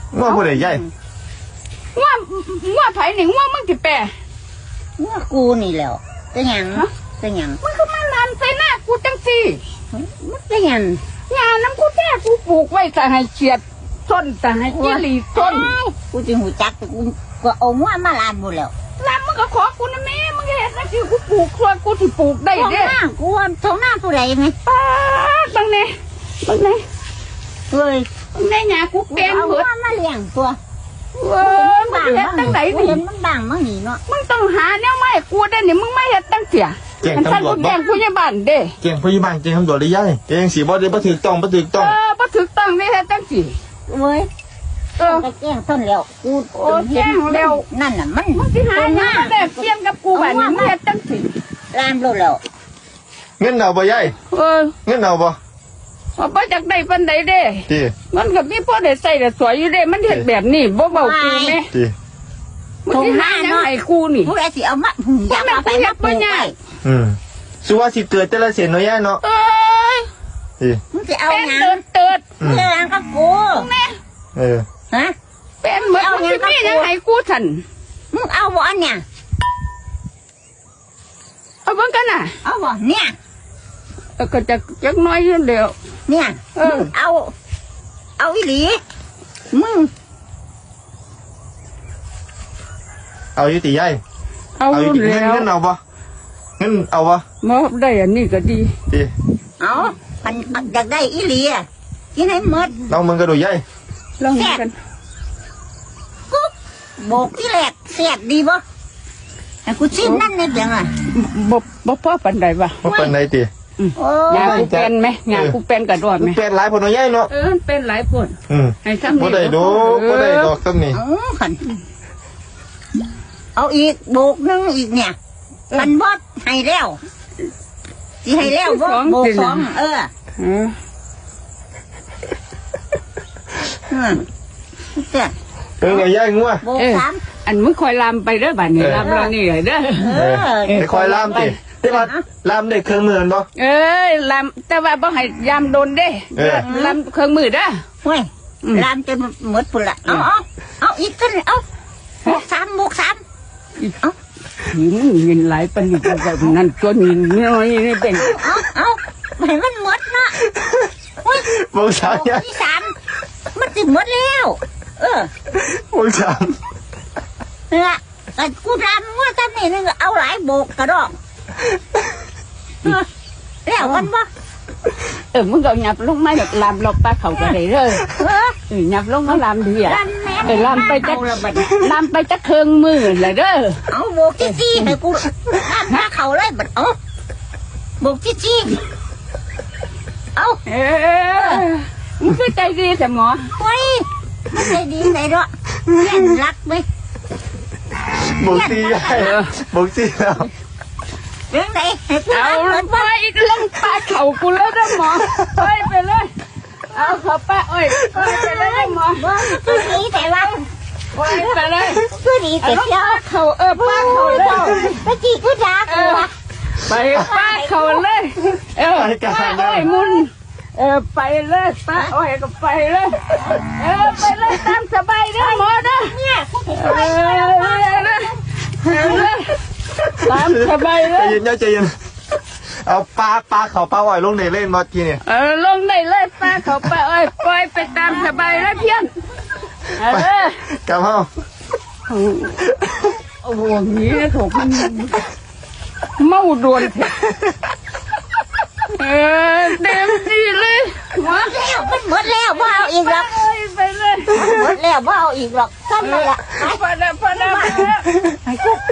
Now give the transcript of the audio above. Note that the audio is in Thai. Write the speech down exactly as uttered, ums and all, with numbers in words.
ง้อผู้ใดใหญ่ง้อง้อไผนี่ง้อมึงสิแปรง้อกูนี่แล้วเป็นหยังเป็นหยังมันก็มาลานใส่หน้ากูจังซี่มันเป็นหยังงานน้ำกูแท้กูปลูกไว้แต่ให้เฉียดต้นแต่ให้จิ้หลีต้นกูจึงหูจักกูก็เอาง้อมาลานหมดแล้วลานมึงก็ขอกูนะแม่มึงเห็นนะที่กูปลูกครัวกูที่ปลูกได้เด้ท้องหน้ากูท้องหน้าผู้ใดไหมป้าบังเน่บังเน่เฮ้ยบังเน่หยากูเปลี่ยนเผิดมาเลี้ยงตัวเออมึงเห็นตั้งไหนดิเห็นมันบังมั่งนี่เนาะมึงต้องหาแนวไม้กูได้เนี่ยมึงไม่เห็นตั้งเสียเก่งตำรวจบ่แก่งผู้ใหญ่บ้านเด้เก่งผู้ใหญ่บ้านเก่งตำรวจได้ยัยเก่งสีบ่ได้บ่ถูกต้องบ่ถูกต้องเออบ่ถูกต้องนี่เฮ็ดจังซี่เว้ยเออแก่งต้นแล้วกูโอ้แก่งแล้วนั่นน่ะมันมึงสิหาหยังมาได้เปลี่ยนกับกูบัดนี้มึงเฮ็ดจังซี่ลามโลดแล้วเงินเอาบ่ยัยเออเงินเอาบ่ว่าบ่จักได้ปานใดเด้ติมันก็มีพอได้ใช้ได้สวยอยู่เด้มันเฮ็ดแบบนี้บ่เว้ากูแม่ติมึงสิหาหยังให้กูนี่ผู้ใดสิเอามาอยากเอาไปมาปลูกไว้อืมสุว่าสิเตือนแต่ละเสียนเนาะย่าเนาะเอ้ยติมึงสิเอาหยังเติดเติดเรื่องกับกูแม่เออฮะเป็นเหมือนมึงสิมีหยังให้กูซั่นมึงเอาบ่อันเนี่ยเอาเบิ่งกันน่ะเอาบ่เนี่ยเออก็จักจักน้อยอยู่แล้วเนี่ยเออเอาเอาอีหลีมึงเอาอยู่ติยัยเอาอยู่แล้วเงินเอาบ่เงินเอาบ่บ่ได้อันนี้ก็ดีติเอาพันอยากได้อีหลีอ่ะกินให้หมดลองมึงก็ดูยัยลองกันกุ๊บโบกที่แรกแซ่บดีบ่ให้กูชิมนั่นในเบียงอ่ะบ่บ่พอปานใดวะบ่ปานใดติงานกูเป็นไหมงานกูเป็นกระโดดไหมเป็นหลายคนเนาะยัยเนาะเออเป็นหลายคนอืมให้ซ้ำบ่ได้ดอกบ่ได้ดอกซ้ำนี่เอาขันเอาอีกโบกนึงอีกเนี่ยมันบดให้แล้วสิให้แล้วบ่โบกสองเออเอออืมเจ้าเออไงย่ายงัวโบกสามอันมึงคอยลามไปเด้อบัดนี้ลามเรานี่เลยเด้อเออไปคอยลามติได้ว่าลามได้เครื่องมือบ่เอ้ยลามแต่ว่าบ่ให้ยามโดนเด้ลามเครื่องมือเด้อเว้ยลามจนหมดพุ่นละเอาเอาเอาอีกกันเอาโบกสามโบกสามเอาหินเงินหลายปานนี้ก็แบบนั้นตัวนี้น้อยนี่เป็นเอาเอาให้มันหมดนะโบกสามที่สามมันสิหมดแล้วเออโบกสามเนี่ยแต่กูทำว่าทำนี่นึงเอาหลายโบกกระดอกแล้วมันบ่เออมึงก็หยับลงมาแบบลามลบปลาเขาก็ได้เลยเออหยับลงมาลามดีอ่ะเออลามไปจักลามไปจักเครื่องมือเลยเด้อเอาโบกจี้จี้ให้กูลามมาเขาเลยบัดเอาโบกจี้จี้เอาเออมึงคือใจดีแต่หมอเฮ้ยไม่ใจดีไหนเนาะเล่นรักไหมโบกซี่โบกซี่แล้วเรื่องไหนเอาไปอีกลงปลาเข่ากูแล้วนะหมอไปไปเลยเอาเขาป้าเอ้ยไปไปเลยหมอว่าคือดีแต่ว่าไปไปเลยคือดีแต่เจ้าเขาเออป้าเขาเลยตะกี้กูด่ากูวะไปป้าเขาเลยเออป้าเอ้ยมุนเออไปเลยป้าเอ้ยก็ไปเลยเออไปเลยตามสบายเด้อหมอเด้อเนี่ยเออตามสบายเลยใจเย็นใจเย็นเอาปลาปลาเขาปลาอ่อยลงในเล่นมาทีเนี่ยเออลงในเล่นปลาเขาปลาอ่อยปล่อยไปตามสบายเลยเพี้ยนเออกลับเฮาโอ้โหนี้ถูกมันเมาโดนเออเต็มที่เลยหมดแล้วมันหมดแล้วบ่เอาอีกหรอกไปเลยหมดแล้วบ่เอาอีกหรอกซ้ำเลยละพอแล้วพอแล้วให้กูไป